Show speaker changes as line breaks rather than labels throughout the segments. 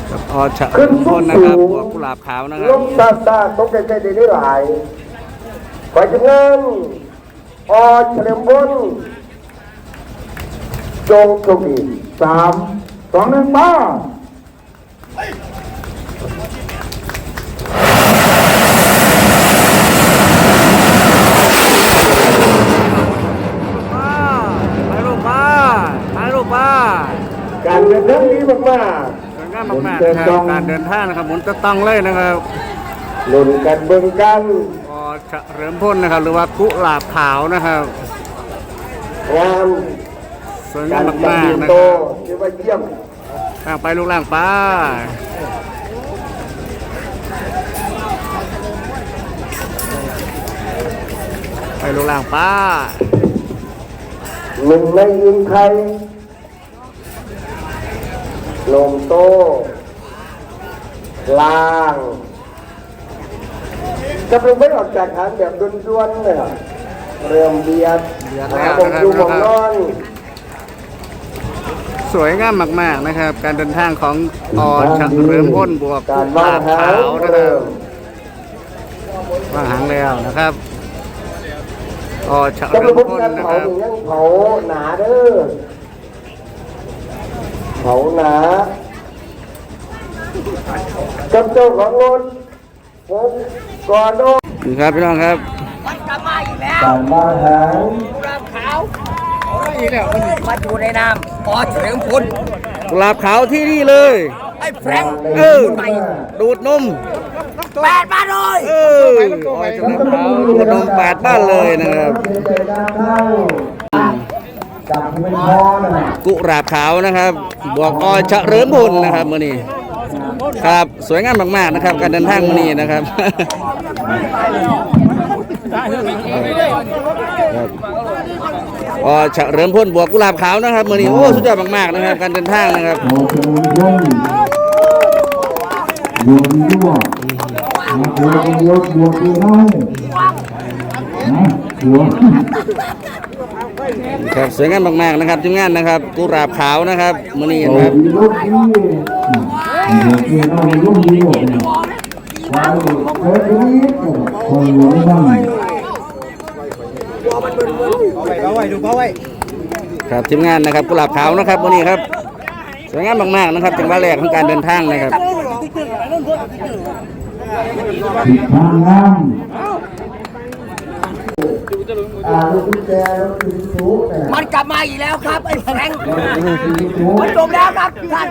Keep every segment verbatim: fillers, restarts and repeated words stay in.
ออฉะลุงพลนะครับบวกกุหลาบขาวนะครับ
ลมตาตาตกใจใจดีได้หลายไปจังงั้นออเฉลิมพลจงโชคดีสามสองหนึ่งมา
ไปลูกป้าไปลูกป้า
การเดินทางนี้มากมาก
สวยงามมากๆนะครับการเดินทางนะครับหมุนจะต้องเลยนะครับ
ลุ้นกันเบิ่งกัน
ออเฉลิมพลนะครับหรือว่ากุหลาบขาวนะครับ
งาม
สวยงามมากๆนะครับ
ถือว่าเยี่ยม
ล่างไปลูกล่างไปไปลูกล่างไป
หนึ่งในยิงไทยลงโตล่างกำลังไม่ออกจากฐานแบบด้วนๆเลยเริ่มเบียดหาผมดูผมนอน
สวยงามมากๆนะครับการเดินทางของออเฉลิมพลบวกกุหลาบขาวนะครับวางหางแล้วนะครับออเฉลิมพลนะครับ
เผาหนาเด้อเผาหนากับเจ้าของรถผมก่อนโน้
นี่ครับพี่น้องครับ
มันกลับมาอีกแล้ว
กลับมาหา
กุหลาบขาวอีกแล้วมาอยู่ในน้ำออเฉลิมพล
กุหลาบขาวที่นี่เลย
ไอ้แฟรงค์
เออดูดนม
แปดบ้านเลย
เออออเฉลิมขาวดูดนมแปดบ้านเลยนะครับกุหลาบขาวนะครับบวกออเฉลิมพลนะครับมื้อนี้ครับสวยงามมากๆนะครับการเดินทางมื้อนี้นะครับอ๋อเฉลิมพลบวกกุหลาบขาวนะครับมื้อนี้โอ้สุดยอดมากๆนะครับการเดินทางนะครับครับสวยงามมากๆนะครับทีมงานนะครับกุหลาบขาวนะครับมื้อนี้นะครับครับทีมงานนะครับกุหลาบขาวนะครับวันนี้ครับสวยงามมากๆนะครับจังหวะแรกของการเดินทางนะครับ
มันกลับมาอีกแล้วครับไอ้แฟรงค์มันจบแล้วครับท่าน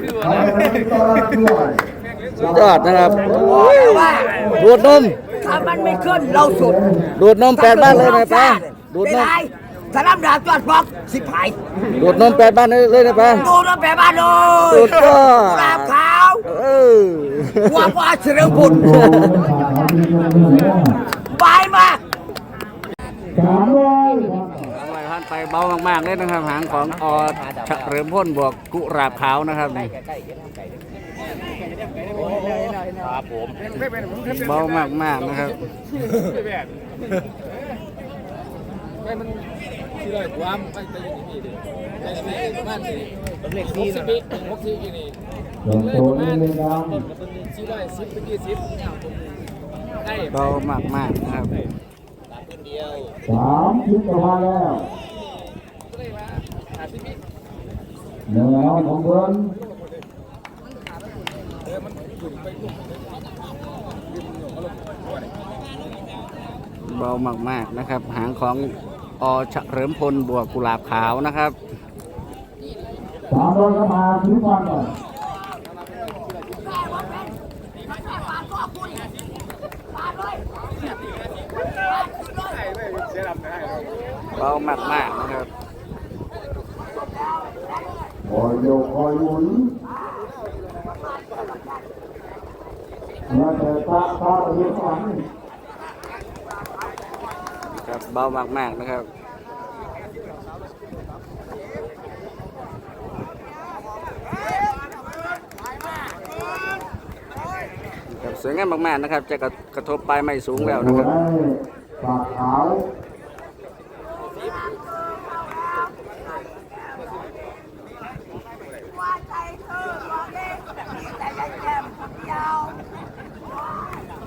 ยอดนะครับดูดนม
ถ้ามันไม่ขึ้นเราสุด
ดูดนมแปดบ้านเลยนะป้าดูดนม
สนามดาบจอดฟอกสิบหาย
ดูดนมแปดบ้านเลยนะป้า
ดูดนมแปดบ้านเลย
ดูดก็
กุหลาบขาว
เออ
ว่าว่าเฉลิมพลบายมาก
สามร้อยท่านไปเบามากๆเลยนะครับหางของออเฉลิมพลบวกกุหลาบขาวนะครับนี่ครับผมเบามากๆนะครับ
สี่ร้อยกว่าไปไปอยู่ที่นี่ดิไปไปประมาณสี่เล็กสี่สิบหกสิบกี่นี่เลยประมาณสี่ร้อยสิบไปยี่สิบได้
เบามากๆนะครับ
สามสิบประมาณแล้วเนื้อของเพื่อน
เบามากๆนะครับหางของอเฉลิมพลบวกกุหลาบขาวนะครับ
สามร้อยก็มาถึงฟังเลย
เบามากๆนะครับ
คอยโยกคอยหมุนมาแต่ตาตาเรียกฝัน
ครับเบามากๆนะครับครับสวยงามมากๆนะครับจะกระทบปลายไม้สูงแล้วนะครับ
ปากขาว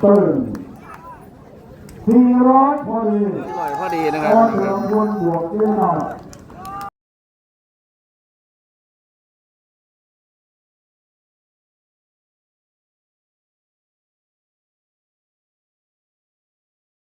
ตึงสี่ร้อยพอดี
สี่ร้อยพอดีนะค
อ
รับ
อเฉลิมพลบวกเจ้าหน่อย